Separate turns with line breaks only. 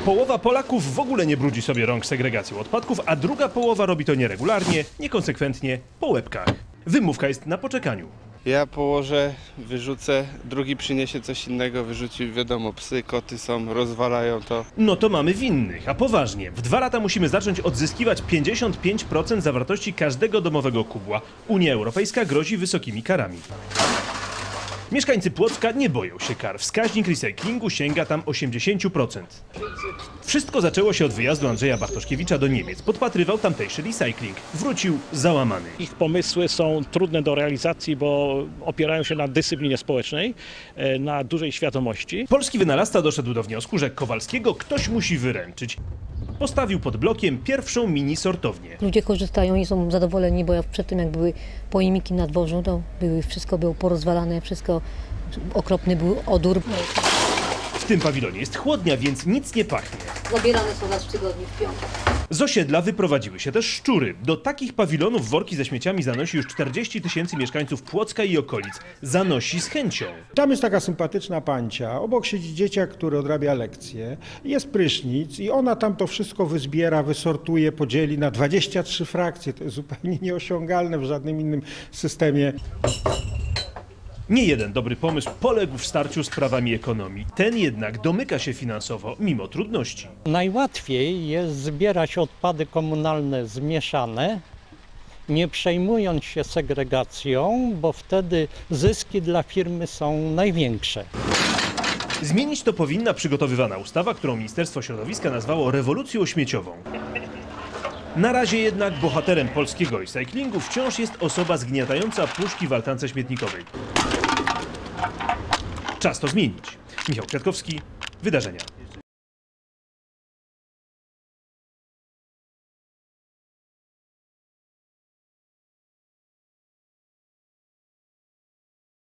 Połowa Polaków w ogóle nie brudzi sobie rąk segregacją odpadków, a druga połowa robi to nieregularnie, niekonsekwentnie, po łebkach. Wymówka jest na poczekaniu.
Ja położę, wyrzucę, drugi przyniesie coś innego, wyrzucił, wiadomo, psy, koty są, rozwalają to.
No to mamy winnych, a poważnie. W 2 lata musimy zacząć odzyskiwać 55% zawartości każdego domowego kubła. Unia Europejska grozi wysokimi karami. Mieszkańcy Płocka nie boją się kar. Wskaźnik recyklingu sięga tam 80%. Wszystko zaczęło się od wyjazdu Andrzeja Bartoszkiewicza do Niemiec. Podpatrywał tamtejszy recykling. Wrócił załamany.
Ich pomysły są trudne do realizacji, bo opierają się na dyscyplinie społecznej, na dużej świadomości.
Polski wynalazca doszedł do wniosku, że Kowalskiego ktoś musi wyręczyć. Postawił pod blokiem pierwszą mini sortownię.
Ludzie korzystają i są zadowoleni, bo przed tym jak były pojemniki na dworzu, to wszystko było porozwalane, wszystko okropny był odór.
W tym pawilonie jest chłodnia, więc nic nie pachnie.
Zabierane są raz w tygodniu w piątek.
Z osiedla wyprowadziły się też szczury. Do takich pawilonów worki ze śmieciami zanosi już 40 000 mieszkańców Płocka i okolic. Zanosi z chęcią.
Tam jest taka sympatyczna pancia, obok siedzi dzieciak, który odrabia lekcje, jest prysznic i ona tam to wszystko wyzbiera, wysortuje, podzieli na 23 frakcje. To jest zupełnie nieosiągalne w żadnym innym systemie.
Nie jeden dobry pomysł poległ w starciu z prawami ekonomii. Ten jednak domyka się finansowo mimo trudności.
Najłatwiej jest zbierać odpady komunalne zmieszane, nie przejmując się segregacją, bo wtedy zyski dla firmy są największe.
Zmienić to powinna przygotowywana ustawa, którą Ministerstwo Środowiska nazwało rewolucją śmieciową. Na razie jednak bohaterem polskiego recyklingu wciąż jest osoba zgniatająca puszki w altance śmietnikowej. Czas to zmienić. Michał Kwiatkowski, Wydarzenia.